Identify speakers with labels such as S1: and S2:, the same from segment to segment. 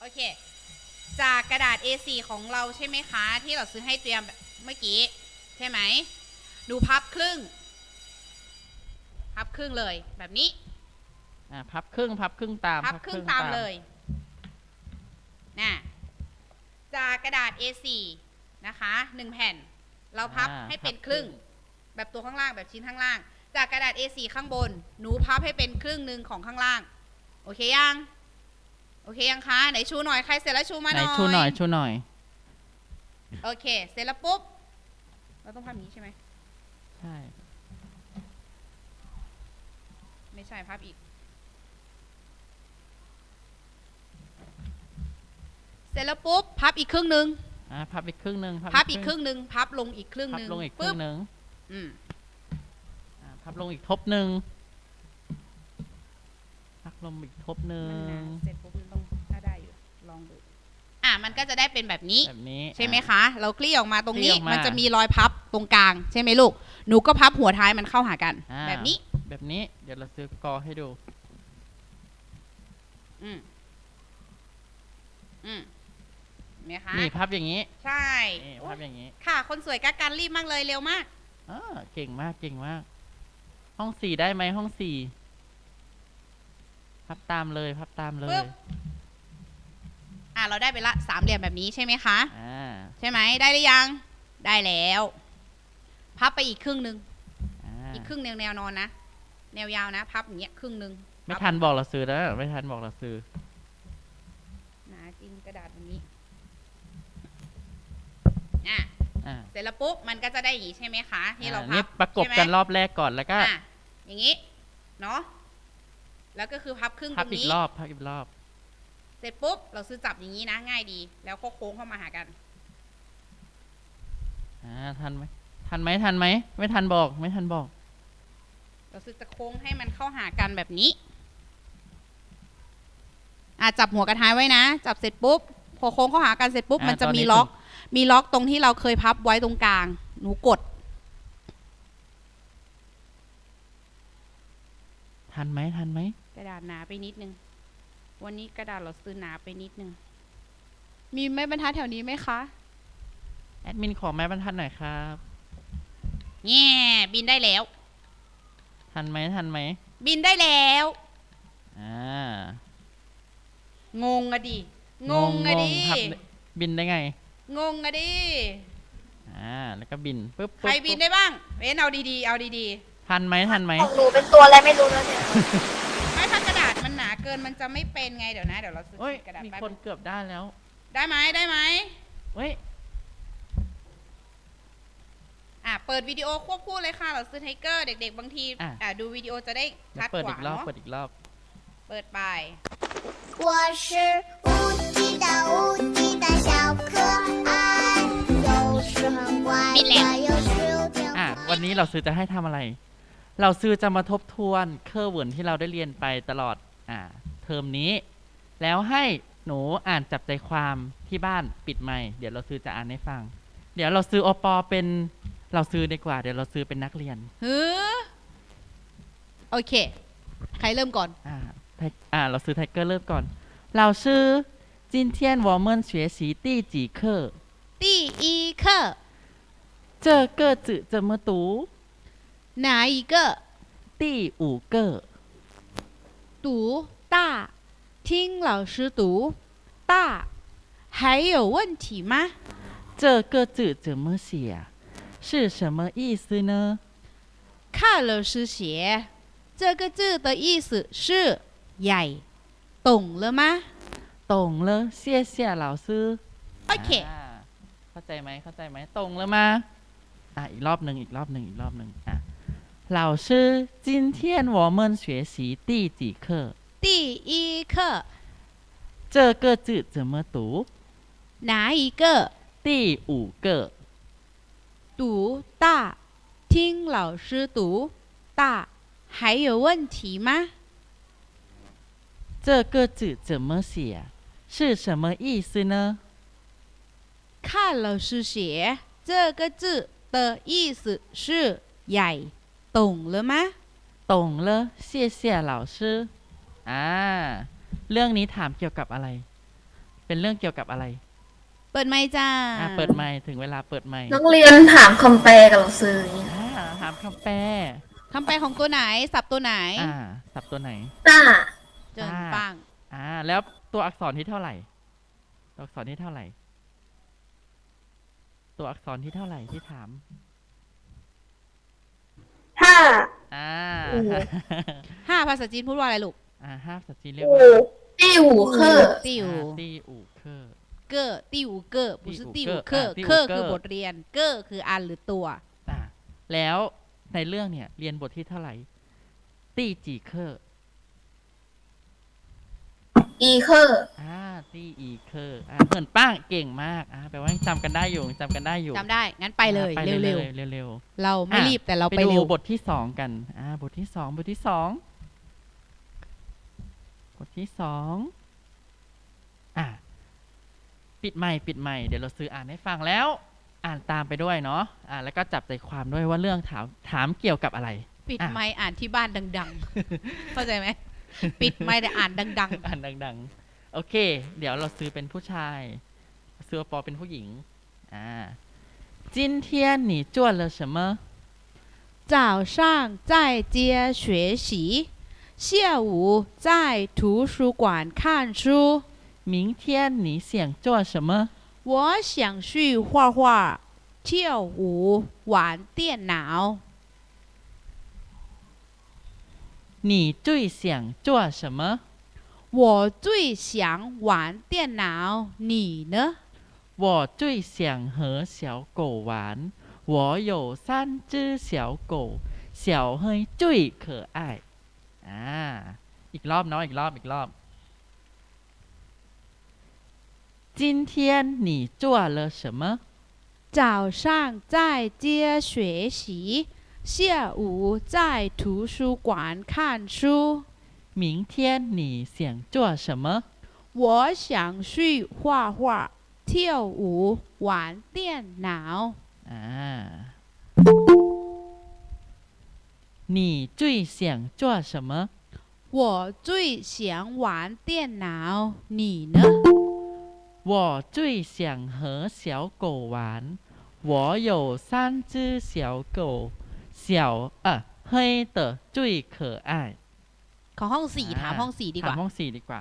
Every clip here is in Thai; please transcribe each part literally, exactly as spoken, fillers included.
S1: โอเคจากกระดาษ เอ โฟร์ ของเราใช่ไหมคะที่เราซื้อให้เตรียมเมื่อกี้ใช่ไหมดูพับครึ่งพับครึ่งเลยแบบนี้
S2: อ่าพับครึ่งพับครึ่งตาม
S1: พับครึ่งตามเลยนะจากกระดาษ เอ โฟร์ นะคะหนึ่งแผ่นเราพับให้เป็นครึ่งแบบตัวข้างล่างแบบชิ้นข้างล่างจากกระดาษ เอ โฟร์ ข้างบนหนูพับให้เป็นครึ่งหนึ่งของข้างล่างโอเคยังโอเคยังคะไหนชูหน่อยใครเสร็จแล้วชูมาหน่อย
S2: ชูหน่อยชูหน่อย
S1: โอเคเสร็จแล้วปุ๊บเราต้องพับอย่างนี้ใช่ไหม
S2: ใช่
S1: ไม่ใช่พับอีกเสร็จแล้วปุ๊บพับอีกครึ่งหนึ่ง
S2: อ่าพับอีกครึ่งหนึ่ง
S1: พับอีกครึ่งหนึ่งพับลงอีกครึ่ง
S2: พั
S1: ห
S2: บ
S1: นึ่ง
S2: ลงอีกครึ่งหนึ่ง
S1: อืม
S2: อ่าพับลงอีกทบหนึ่งพับลงอีกทบหนึ่
S1: มันหนาง เสร็จปุ๊บมันต้องน่าได้อยู่ลองดูอ่ะมันก็จะได้เป็นแบบนี้
S2: แบบนี้
S1: ใช่ไหมคะ เราคลี่ออกมาตรงนี้
S2: คลี่ออกมา
S1: มันจะมีรอยพับตรงกลางใช่ไหมลูกหนูก็พับหัวท้ายมันเข้าหากัน
S2: อ่า
S1: แบบนี้
S2: แบบนี้เดี๋ยวเราซื้อกอให้ดู
S1: อืมอืมเห็นไหมคะ
S2: นี่พับอย่างนี้
S1: ใช่
S2: นี่พับอย่างนี้
S1: ค่ะคนสวยกักกันรีบมากเลยเร็วมาก
S2: อ่าเก่งมากเก่งมาก ห้องสี่ได้ไหมห้องสี่พับตามเลยพับตามเล
S1: ปึ๊
S2: ย
S1: บ อ่ะเราได้ไปละสามเหลี่ยมแบบนี้ใช่ไหมคะ
S2: อ่า
S1: ใช่ไหมได้หรือยังได้แล้ว พับไปอีกครึ่งหนึ่ง
S2: อ่า
S1: อีกครึ่งแนวแนวนอนนะแนวยาวนะพับอย่างเงี้ยครึ่งหนึ่ง
S2: ไม่ทันบอกเราซื้อแล้วไม่ทันบอกเราซื้อ
S1: หนาจริงกระดาษแบบนี้อ่ะ
S2: อ่า
S1: เสร็จแล้วปุ๊บมันก็จะได้อย่างนี้ใช่ไหมคะที่เรา
S2: อ่
S1: พั
S2: นี่
S1: บ
S2: ประกบ
S1: ใช่ไหม
S2: กันรอบแรกก่อนแล้วก็
S1: อ่ะอย่างนี้เนาะแล้วก็คือพับครึ่งต
S2: พับ
S1: รง
S2: อีก
S1: นี้
S2: รอบพับอีกรอบ
S1: เสร็จปุ๊บเราซื้อจับอย่างนี้นะง่ายดี แล้วก็โค้งเข้ามาหากัน
S2: อ่าทันไหมทันไหมทันไหมไม่ทันบอกไม่ทันบอก
S1: เราซื้อจะโค้งให้มันเข้าหากันแบบนี้อ่ะจับหัวกระท้ายไว้นะ จับเสร็จปุ๊บพอโค้งเข้าหากันเสร็จปุ๊บ
S2: อ่า
S1: มันจะ
S2: ตอนนี้
S1: มีล็อก
S2: ถึ
S1: มีล็อกตรงที่เราเคยพับไว้ตรงกลาง หนูกด
S2: ทันไหมทันไหม
S1: กระดาษหนาไปนิดนึงวันนี้กระดาษเราซื้อหนาไปนิดนึงมีไม้บรรทัดแถวนี้ไหมคะ
S2: แอดมินขอแม่บรรทัดหน่อยครับ
S1: แง่บินได้แล้ว
S2: ทันไหมทันไหม
S1: บินได้แล้ว
S2: อ่าง
S1: งอะดิงงอะดิ
S2: พับบินได้ไง
S1: งงอะดิ
S2: อ่าแล้วก็บินปึ๊บ
S1: ใคร
S2: ปึ๊บ
S1: บิน
S2: ปึ๊บ
S1: ได้บ้างเว้นเอาดีๆเอาดี
S2: ทันไหมทันไหม
S3: ของหนูเป็นตัวอะไรไม่รู้แล้วเนี่ย
S1: ๆไม่ถ้ากระดาษมันหนาเกินมันจะไม่เป็นไงเดี๋ยวนะเดี๋ยวเราซื้อ
S2: โอ้ย
S1: กระดาษ
S2: มี
S1: แป๊บ
S2: คนเกือบได้แล้ว
S1: ได้ไหมได้ไหม
S2: เฮ้ย
S1: อ่ะเปิดวิดีโอควบคู่เลยค่ะเราซื้อไทเกอร์เด็กๆบางทีอ่ะดูวิดีโอจะได้
S2: เดี๋ย
S1: ชัด
S2: วเปิด
S1: ก
S2: อี
S1: ว่าก
S2: รอบ
S1: เนาะ
S2: เปิดอีกรอบ
S1: เปิดไป
S3: 我是无极的无极的小可爱，有时很乖乖，有时又挺
S2: อ่ะ
S3: 坏
S2: วันนี้เราซื้อจะให้ทำอะไร เราซื้อจะมาทบทวนเคอร์เวิร์นที่เราได้เรียนไปตลอด อ่า เทอมนี้ แล้วให้หนูอ่านจับใจความที่บ้านปิดไมค์เดี๋ยวเราซื้อจะอ่านให้ฟัง เดี๋ยวเราซื้ออปอเป็นเราซื้อดีกว่า เดี๋ยวเราซื้อเป็นนักเรียน
S1: ฮือโอเค ใครเริ่มก่อน
S2: อ่าไทอ่า เราซื้อไทเกอร์เริ่มก่อนเราซื้อ今天我们学习第几课
S1: 第一课
S2: 这个字怎么读
S1: 哪一个
S2: 第五个
S1: 读大听老师读大还有问题吗
S2: 这个字怎么写是什么意思呢
S1: 看老师写这个字的意思是ใหญ่懂了吗
S2: 懂了谢谢老师
S1: โอเค
S2: อ่าเข้าใจไหมเข้าใจไหมตรงแล้วมาอ่ะอีกรอบหนึ่งอีกรอบหนึ่งอีกรอบหนึ่งอ่ะ老师今天我们学习第几课
S1: 第一课
S2: 这个字怎么读
S1: 哪一个
S2: 第五个
S1: 读大听老师读大还有问题吗
S2: 这个字怎么写是什么意思呢
S1: 看老师写这个字的意思是ใหญ่懂了吗
S2: 懂了谢谢老师อ่าเรื่องนี้ถามเกี่ยวกับอะไรเป็นเรื่องเกี่ยวกับอะไร
S1: เปิดไมค์จ้า
S2: อ่าเปิดไมค์ถึงเวลาเปิดไมค์
S4: นักเรียนถามคำแปลกับเราซื้ออย่างเงี้ย
S2: อ่าถามคำแปล
S1: คำแปลของตัวไหน สับตัวไหน
S2: อ่าสับตัวไหน
S4: ต้า
S1: เจินปัง
S2: อ่าแล้วตัวอักษรที่เท่าไหร่ ตัวอักษรที่เท่าไหร่ ตัวอักษรที่เท่าไหร่ที่ถาม
S4: ห้า
S2: อ่า
S4: อืม
S1: ห้าภาษาจีนพูดว่าอะไรลูก
S2: อ่าห้าภาษาจีนเรียก
S4: อู
S2: ว่า
S4: ตี้หูเคอร์
S1: ติว
S2: อ่าตีอู่เคอร์
S1: เกอร์ติวเกอร์不是
S2: ติ
S1: ติ
S2: ว
S1: ว
S2: เก
S1: เก
S2: อ
S1: อ
S2: ร์
S1: ร์
S2: อ่าติว
S1: เคอร์
S2: เกอร์
S1: คือบทเรียน เกอร์คืออันหรือตัว
S2: อ่าแล้วในเรื่องเนี่ยเรียนบทที่เท่าไหร่ ตีจีเคอร์
S4: อีเคอร์
S2: อ่าตีอีเคอร์อ่าเหมือนป้างเก่งมากอ่าแปลว่าจำกันได้อยู่จำกันได้อยู่
S1: จำได้ งั้นไปเลย
S2: อ่าไป
S1: เร็ว
S2: เร็วเร็ว
S1: ๆ เราไม่
S2: อ่ะ
S1: รีบแต่เรา
S2: ไป
S1: ไป
S2: ดู
S1: เร็ว
S2: บทที่สองกันอ่าบทที่สองบทที่สองบทที่สองอ่าปิดไมค์ปิดไมค์เดี๋ยวเราซื้ออ่านให้ฟังแล้ว อ่านตามไปด้วยเนาะอ่าแล้วก็จับใจความด้วยว่าเรื่องถามถามเกี่ยวกับอะไร
S1: ปิด
S2: อ่ะ
S1: ไมค์อ่านที่บ้านดัง ๆ เข้าใจไหม ปิดไมค์แต่อ่านดัง
S2: อ่านดังๆ โอเค เดี๋ยวเราซื้อเป็นผู้ชาย ซื้อปอเป็นผู้หญิง อ่า今天你做了什么
S1: ๆ 早上在家学习下午在图书馆看书
S2: 明天你想做什么
S1: 我想去画画跳舞玩电脑
S2: 你最想做什么
S1: 我最想玩电脑你呢
S2: 我最想和小狗玩我有三只小狗小黑最可爱อ่าอีกรอบเนาะอีกรอบอีกรอบ今天你做了什么
S1: 早上在家学习下午在图书馆看书
S2: 明天你想做什么
S1: 我想去画画跳舞玩电脑
S2: อ่า你最想做什么
S1: 我最想玩电脑你呢
S2: 我最想和小狗玩我有三只小狗小呃黑的最可爱
S1: ขอห้องสี่ถามห้องสี่ดีก
S2: ถาม
S1: ว่า
S2: ห้องสี่ดีกว่า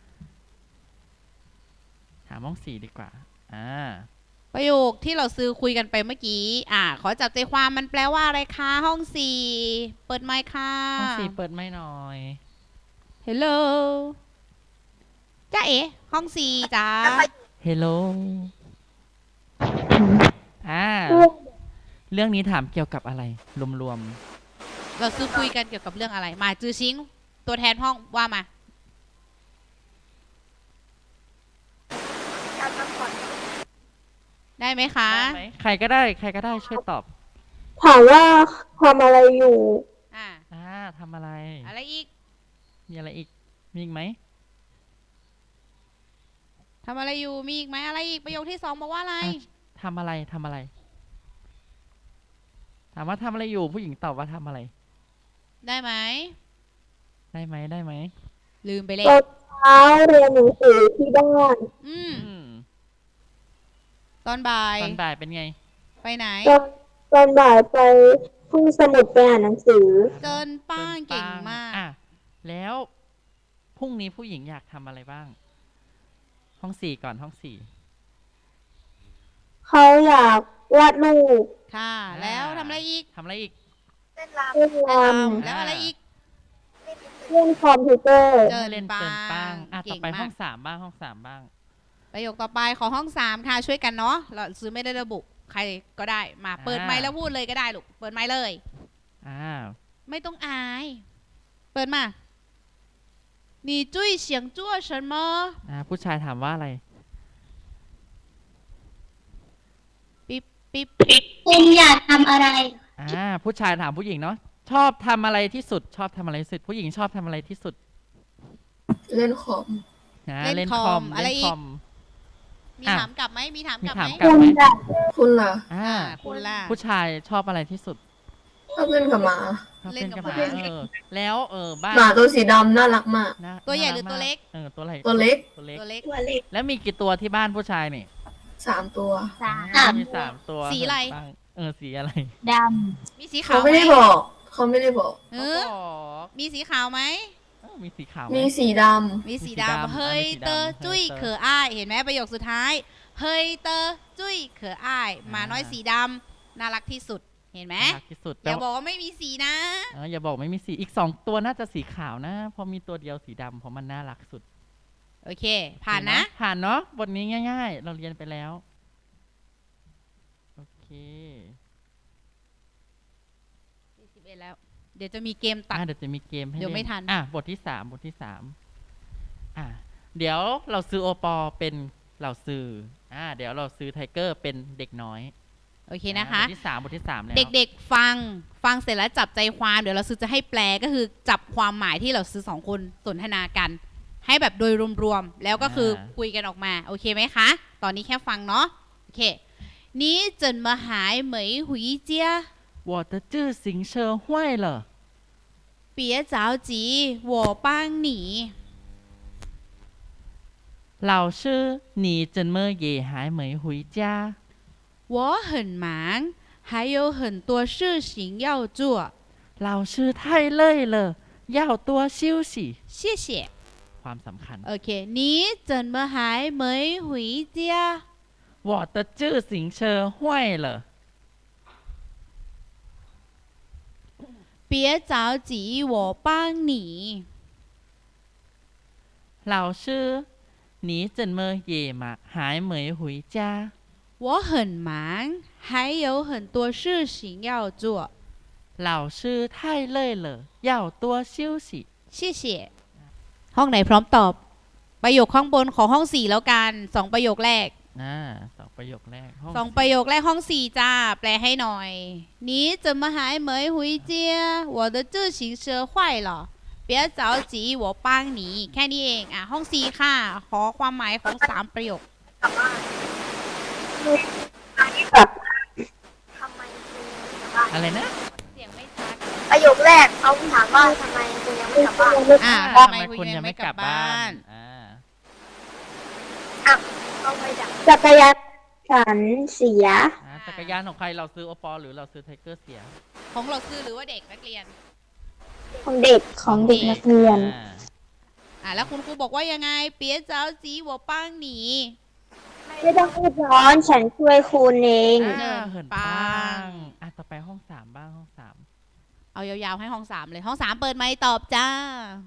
S2: ถามห้องสี่ดีกว่า อ่า
S1: ประโยคที่เราซื้อคุยกันไปเมื่อกี้ อ่า ขอจับใจความมันแปลว่าอะไรคะ ห้องสี่ เปิดไมค์ค่ะ
S2: ห้องสี่เปิดไม่หน่อย
S1: Hello จ้าเอ๋ห้องสี่จ้า
S2: Hello อ่า เรื่องนี้ถามเกี่ยวกับอะไร รวม
S1: เราซื้อคุยกันเกี่ยวกับเรื่องอะไร มาจือชิง ตัวแทนห้องว่ามา ได้ไหม
S2: ๆ
S1: คะ
S2: ได้ไหมใครก็ได้ ใครก็ได้ช่วยตอบ
S4: ถามว่าทำอะไรอยู่
S1: อ่า
S2: อ่าทำอะไร
S1: อะไรอีก
S2: มีอะไรอีก มีอีกไหม
S1: ทำอะไรอยู่ มีอีกไหมอะไรอีก ประโยคที่สองบอกว่าอะไร
S2: อ่ะทำอะไร ทำอะไร ถามว่าทำอะไรอยู่ ผู้หญิงตอบว่าทำอะไร
S1: ได้ไหม
S2: ได้ไหม ได้ไหม
S1: ลืมไปเลย
S4: ตอนเช้าเรียนหนังสือที่บ้าน
S1: อืม
S2: อืม
S1: ตอนบ่าย
S2: ตอนบ่ายเป็นไง
S1: ไปไหน
S4: ตอนตอนบ่ายไปห้องสมุดไปอ่านหนังสือ
S1: เกินป้าง
S2: เกิน
S1: เก่ง
S2: ปั
S1: มาก
S2: อ่ะแล้วพรุ่งนี้ผู้หญิงอยากทำอะไรบ้าง ห้องสี่ก่อนห้องสี่
S4: เขาอยากวาดรูป
S1: ค่ะ แล้วทำอะไรอีก
S2: ทำอะไรอีก
S4: เล่น
S1: เล่น
S4: ร
S1: รำแล้วอะไรอีก
S4: ำเล่นคอมพิวเตอร์
S1: เจิน
S2: เล่น
S1: ปัง
S2: เกินปังอ่ะ
S1: เก่
S2: ต่อง ไปห้
S1: มา
S2: อก งสามบ้างห้องสามบ้าง
S1: ประโยคต่อไปขอห้องสามค่ะ ช่วยกันเนาะ เราซื้อไม่ได้ระบุ ใครก็ได้ มาเปิดไมค์แล้วพูดเลยก็ได้ลูก เปิดไมค์เลย
S2: อ้าว
S1: ไม่ต้องอาย เปิดมา你最想做什么
S2: อ่าผู้ชายถามว่าอะไร
S1: ปิ๊บปิ๊บ
S3: คุณอยากทำอะไร
S2: อ่าผู้ชายถามผู้หญิงเนาะชอบทำอะไรที่สุด ชอบทำอะไรที่สุด ผู้หญิงชอบทำอะไรที่สุด
S4: เล่นคอม
S2: นะ
S1: เล่
S2: เล่
S1: น
S2: น
S1: ค
S2: ค
S1: อ
S2: อ
S1: ม
S2: ม
S1: อะไร
S2: เล่น
S1: อี
S2: ค
S1: ก
S2: อม
S1: มี
S2: อ่ะ
S1: ถามกลับไหมมีถาม
S2: มี
S1: กลับ
S2: ถาม
S1: ไหม
S2: กลับไหม
S4: คุณล่ะคุณล่ะ
S2: อ่า
S1: อ่าคุณล่ะ
S2: ผู้ชายชอบอะไรที่สุด
S4: ชอบเล่นกับหมา
S2: ชอบชอบ
S1: เล่
S2: เล่
S1: น
S2: น
S1: กั
S2: กั
S1: บบ ห
S2: ห
S1: มา
S2: มาเออแล้วเออบ้าน
S5: หมาตัวสีดำน่ารักมาก
S2: น่า
S1: ตัวใหญ่
S2: น่า
S1: หรือ
S2: รัก
S1: ตัว
S2: มาก
S1: เล็ก
S2: เออตัวอะไร
S5: ตัวเล็ก
S2: ตัวเล็ก
S1: ตัวเล็ก
S4: ตัวเล็ก
S2: แล้วมีกี่ตัวที่บ้านผู้ชายนี่
S5: สามตัว
S4: สาม
S2: อ่ามีสามตัว
S1: สีอะไร
S2: บ้างเออสีอะไร
S4: ด
S1: มีสีขา
S5: เขา
S1: ว
S5: ไม่ได้
S1: ห
S5: บอก เขาไม่ได้บอก
S1: เอ
S2: เขา
S1: อ
S2: บอก
S1: มีสีขาวไหม
S2: เออมีสีขาวไหม
S5: มีสีด
S1: มีสี
S2: มีสีดำ
S1: ดำเฮ้ย
S2: อ่ะมีสีดำ
S1: เตอ
S2: เฮ้ย
S1: จุ้ย
S2: เตอ
S1: เขออ้ายเห็นไหมประโยคสุดท้าย เฮ้ยเตอจุ้ยเขออ้ายหมาน้อย
S2: อ่า
S1: สีดำน่ารักที่สุดเห็นไหม
S2: น่ารักที่สุด
S1: อ
S2: แต่
S1: ย่าบ
S2: ว่า
S1: อกว่าไม่มีสีนะ
S2: เอออย่าบอกไม่มีสีอีกสองตัวน่าจะสีขาวนะเพราะมีตัวเดียวสีดำเพราะมันน่ารักสุด
S1: โอเค ผ่านนะ
S2: ผ่านเนาะบทนี้ง่าย ๆ เราเรียนไปแล้วโอเค
S1: สี่สิบเอ็ดแล้ว เดี๋ยวจะมีเกมตัด
S2: อ่ะเดี๋ยวจะมีเกมให้
S1: เดี๋ยว
S2: ล่
S1: ไม่ทัน
S2: อ่ะบทที่สามบทที่สามอ่ะเดี๋ยวเราซื้อโอปอเป็นเราซื้ออ่ะเดี๋ยวเราซื้อไทเกอร์เป็นเด็กน้อย
S1: โอเคนะคะ
S2: อ่บทที่สามบทที่สามแล้ว
S1: เด็กๆฟังฟังเสร็จแล้วจับใจความเดี๋ยวเราซื้อจะให้แปลก็คือจับความหมายที่เราซื้อสองคนสนทนากัน ให้แบบโดยรวมๆแล้วก็คือคุยกันออกมาโอเคไหมคะ ตอนนี้แค่ฟังเนาะโอเค你怎么还没回家
S2: 我的自行车坏了
S1: 别着急我帮你
S2: 老师你怎么也还没回家
S1: 我很忙还有很多事情要做
S2: 老师太累了要多休息
S1: 谢谢
S2: ความสำคัญ
S1: โอเค你怎么还没回家
S2: 我的自行车坏了
S1: 别着急我帮你
S2: 老师你怎么也嘛还没回家
S1: 我很忙还有很多事情要做
S2: 老师太累了要多休息
S1: 谢谢ห้องไหนพร้อมตอบประโยคข้างบนของห้องสี่แล้วกันสองประโยคแรก
S2: อ่าสองประโยคแรกห้อง
S1: สองประโยคแรกห้องสี่จ้าแปลให้หน่อย你怎么还没回家我的自行车坏了别着急我帮你แค่นี้เองอ่ะห้องสี่ค่ะขอความหมายของสามประโยค
S4: กับ
S3: ทำไมคุณยังไม่กลับบ้าน
S2: อะไรนะ
S1: เสียงไม่ชัด
S3: ประโยคแรกเขาถามว่าทำไมคุณยังไม่กลับบ้าน
S1: อ่า
S2: อ่า
S1: ทำไมคุณยังไม่กลับบ้าน
S2: อ่า
S3: เขาไปดัก
S4: จักรยานฉันเสีย
S2: อ่าจักรยานของใครเราซื้อโอปอหรือเราซื้อไทเกอร์เสีย
S1: ของเราซื้อหรือว่าเด็กนักเรียน
S4: ของเด็กของเด็กนักเรียน
S2: อ่า
S1: อ่ะแล้วคุณครูบอกว่ายังไง别着急我帮你
S4: ไม่ต้องรีบร้อนฉันช่วยคุณเอง
S2: อ่า
S1: เหิ
S2: เหิน
S1: น
S2: ปั
S1: ปั
S2: ง
S1: ง
S2: อ่ะต่อไปห้องสามบ้างห้องสาม
S1: เอายาวๆให้ห้องสามเลยห้องสามเปิดไมค์ตอบจ้า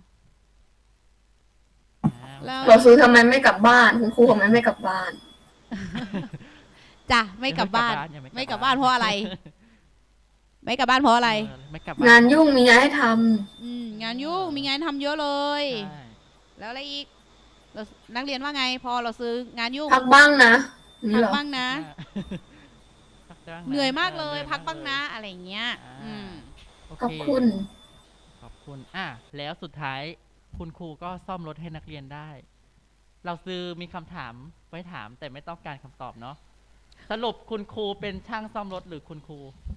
S2: อ่า
S1: แล้ว
S5: เราซื้อทำไมไม่กลับบ้าน คุณครูทำไมไม่กลับบ้าน
S1: จ้ะไม่กลับบ้าน
S2: ยัง
S1: ไม่กลับบ้านเพราะอะไร ไม่กลับบ้านเพราะอะไร
S2: เออไม่กลับบ้าน
S5: งานยุ่งมีงานให้ท
S1: อืมงานยุ่งมีงานทำเยอะเลย
S2: ใช่
S1: แล้วอะไรอีกเรานักเรียนว่าไง พอเราซื้องานยุ่ง
S5: ำพักบ้างนะนี่
S1: พัก
S5: เหรอ
S1: บ้างนะ
S2: พักบ้างะ
S1: เหนื่อยมากเลย
S2: หนื่อ
S1: พักบ้างนะ
S2: เลย
S1: อะไรอย่างเงี้ย
S2: อ่า
S1: อืม
S2: โอ
S5: ขอบ
S2: เค
S5: คุณ
S2: ขอบคุณ อ่ะ แล้วสุดท้ายคุณครูก็ซ่อมรถให้นักเรียนได้ เราซื้อมีคำถามไว้ถามแต่ไม่ต้องการคำตอบเนาะ สรุปคุณครูเป็นช่างซ่อมรถหรือคุณครู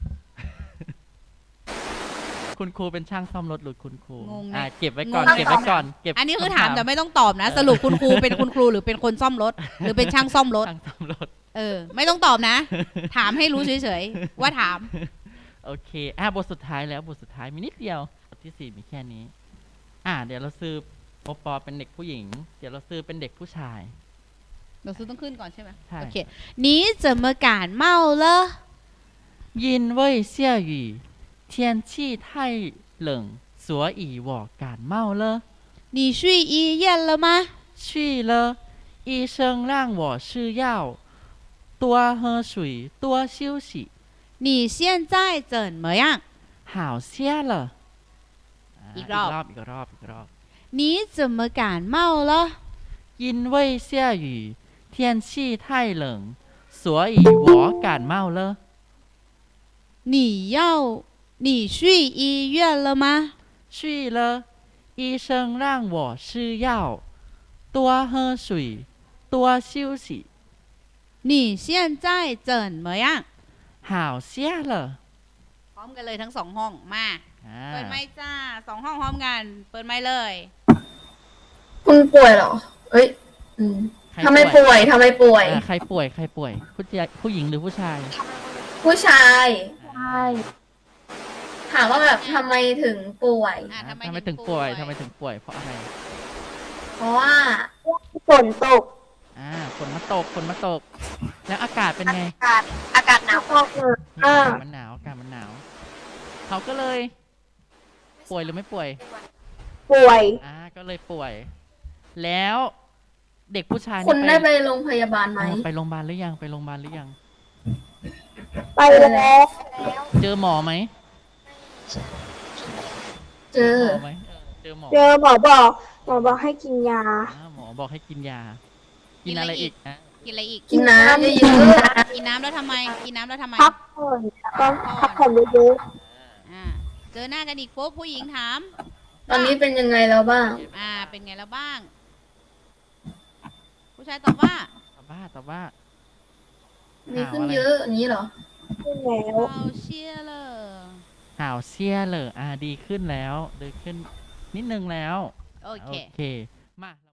S2: คุณครูเป็นช่างซ่อมรถหรือคุณครู
S1: งงนะ
S2: อ่ะเก็บไว้ก่อน
S1: งงนะ
S2: เก็บไว้ก่อน เก็บ
S1: อันนี้คือ
S2: ำ
S1: ถามแต่ไม่ต้องตอบนะ สรุปคุณครูเป็นคุณครูหรือเป็นคนซ่อมรถ หรือเป็นช่างซ่อมรถ
S2: ช่างซ่อมรถ
S1: เออ ไม่ต้องตอบนะ ถามให้รู้เฉยๆว่าถาม
S2: โอเค อ่ะ บทสุดท้ายแล้ว บทสุดท้ายมีนิดเดียว บทที่สี่มีแค่นี้ อ่ะ เดี๋ยวเราซื้อโอปอเป็นเด็กผู้หญิง เดี๋ยวเราซื้อเป็นเด็กผู้ชาย
S1: เราซื้อต้องขึ้นก่อนใช่ไหม
S2: ใช่
S1: โอเค你怎么感冒了
S2: 因为下雨，天气太冷，所以我感冒了。
S1: 你去医院了吗
S2: 去了，医生让我吃药，多喝水，多休息。
S1: 你现在怎么样
S2: 好些了。啊
S1: อีกรอบ
S2: อีกรอบ อีกรอบ อีกรอบ
S1: 你怎么感冒了
S2: 因为下雨，天气太冷，所以我感冒了。
S1: 你要你去医院了吗
S2: 去了，医生让我吃药，多喝水，多休息。
S1: 你现在怎么样
S2: 好些了。
S1: พร้อมกันเลยทั้งสองห้องมา
S2: อ่า
S1: เปิดไมค์จ้าสองห้องพร้อมกัน เปิดไมค์เลย
S5: คุณป่วยเหรอ เอ้ย อืม
S2: ใคร
S5: ทำไมป่วยทำไมป่วย
S2: อ่าใครป่วยใครป่วยผู้ชายผู้หญิงหรือผู้ชาย
S5: ผู้ชาย
S4: ใช่
S5: ถามว่าแบบทำไมถึงป่วย
S1: อ่ะ
S2: อ่า
S1: ทำไม
S2: ทำไม
S1: ถึ
S2: ถึ
S1: ง
S2: ง
S1: ป่
S2: ป่
S1: ว
S2: วย ยทำไมถึงป่วยเพราะอะไร
S5: เพราะว่า
S4: ฝนตก
S2: อ่าฝนมาตกฝนมาตก แล้วอากาศเป็นไง
S5: อากาศหนาว
S4: ออกมา
S2: อา
S4: อ่าก
S2: าศมันหนาวอากาศมันหนาว เขาก็เลย ป่วยหรือไม่ป่วย
S4: ป่วย
S2: อ่า ก็เลยป่วย แล้วเด็กผู้ชายนี่
S5: คุณได้ไปโรงพยาบาลไหม
S2: อ่าไปโรงพยาบาลหรือยัง ไปโรงพยาบาลหรือยัง
S4: ไปแล้ว
S2: เจอหมอไหม
S5: เจอ
S2: หมอไหมเออเจอหมอ
S4: เจอหมอบอก หมอบอกให้กินยา
S2: อ่าหมอบอกให้กินยา กินอะไรอีกอ่ะ
S1: กินอะไรอีก
S5: กินน้ำเยอะ
S1: กินน้ำแล้วทำไม กินน้ำแล้วทำไม
S4: พักผ่อนแล้วก็พักผ่อนเยอะ
S1: อ่า เจอหน้ากันอีกปุ๊บผู้หญิงถาม
S5: ๆ ตอนนี้เป็นยังไงแล้วบ้าง
S1: อ่า เป็นไงแล้วบ้าง ผู้ชายตอบว่า
S2: ตอบว่าตอบว่า
S5: มีขึ้นเยอะอย่างนี้เหรอ
S4: ๆขึ้นแล้ว
S1: เราเชียร์เลย
S2: ห่าวเซียเลยอ่าดีขึ้นแล้วดีขึ้นนิดนึงแล้ว
S1: โอเค
S2: โอเค มา